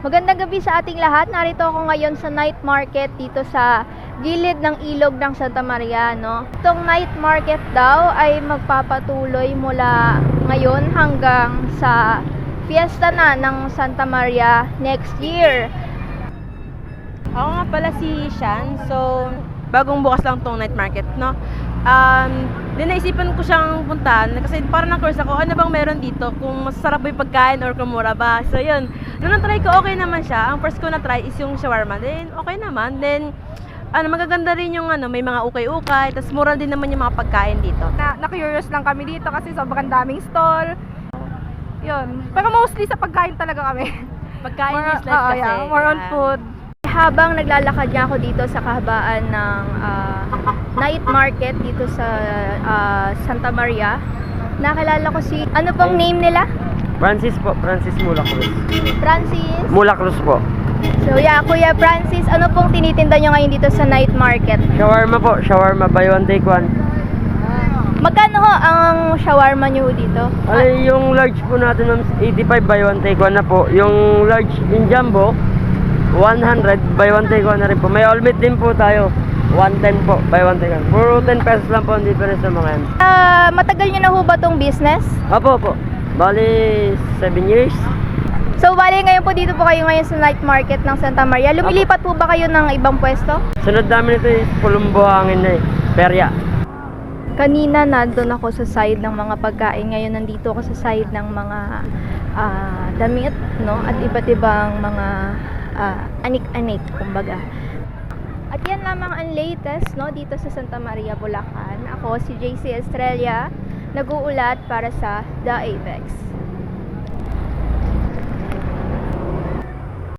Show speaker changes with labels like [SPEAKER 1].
[SPEAKER 1] Magandang gabi sa ating lahat. Narito ako ngayon sa night market dito sa gilid ng ilog ng Santa Maria, no? Itong night market daw ay magpapatuloy mula ngayon hanggang sa fiesta na ng Santa Maria next year.
[SPEAKER 2] Ako nga pala si Shan. So, bagong bukas lang tong night market, no? Naisipan ko siyang puntahan kasi parang na-course ako, ano bang meron dito? Kung masarap ba yung pagkain or kung mura ba? So, yun. Nung na-try ko, okay naman siya. Ang first ko na-try is yung shawarma. Then, okay naman. Then, magaganda rin yung may mga ukay-ukay. Tapos, mura din naman yung mga pagkain dito.
[SPEAKER 3] Na-curious lang kami dito kasi sobrang daming stall. Yun. Pero mostly sa pagkain talaga kami.
[SPEAKER 2] Pagkain is life kasi.
[SPEAKER 3] Yeah, more on food.
[SPEAKER 1] Habang naglalakad niya ako dito sa kahabaan ng night market dito sa Santa Maria, nakilala ko si, ano pong name nila?
[SPEAKER 4] Francis po, Francis Mulacruz.
[SPEAKER 1] Francis?
[SPEAKER 4] Mulacruz po.
[SPEAKER 1] So yeah, Kuya Francis, ano pong tinitinda nyo ngayon dito sa night market?
[SPEAKER 4] Shawarma po, shawarma buy one take one.
[SPEAKER 1] Magkano ho ang shawarma nyo dito?
[SPEAKER 4] Ay, yung large po natin ma'am, 85 buy one take one na po. Yung large in jumbo, 100 buy one take one na rin po. May all meat din po tayo. 110 po, buy one take one. Puro 10 pesos lang po ang difference sa mga yan.
[SPEAKER 1] Matagal nyo na ho ba tong business?
[SPEAKER 4] Opo po. Bali, 7 years.
[SPEAKER 1] So, bali ngayon po dito po kayo ngayon sa night market ng Santa Maria. Lumilipat po ba kayo ng ibang pwesto?
[SPEAKER 4] Sunod namin ito is Pulumbo hangin na Perya.
[SPEAKER 1] Kanina nandun ako sa side ng mga pagkain. Ngayon nandito ako sa side ng mga damit, no? At iba't ibang mga anik-anik, kumbaga. At yan lamang ang latest, no? Dito sa Santa Maria, Bulacan. Ako si JC Estrella, nag-uulat para sa The Apex.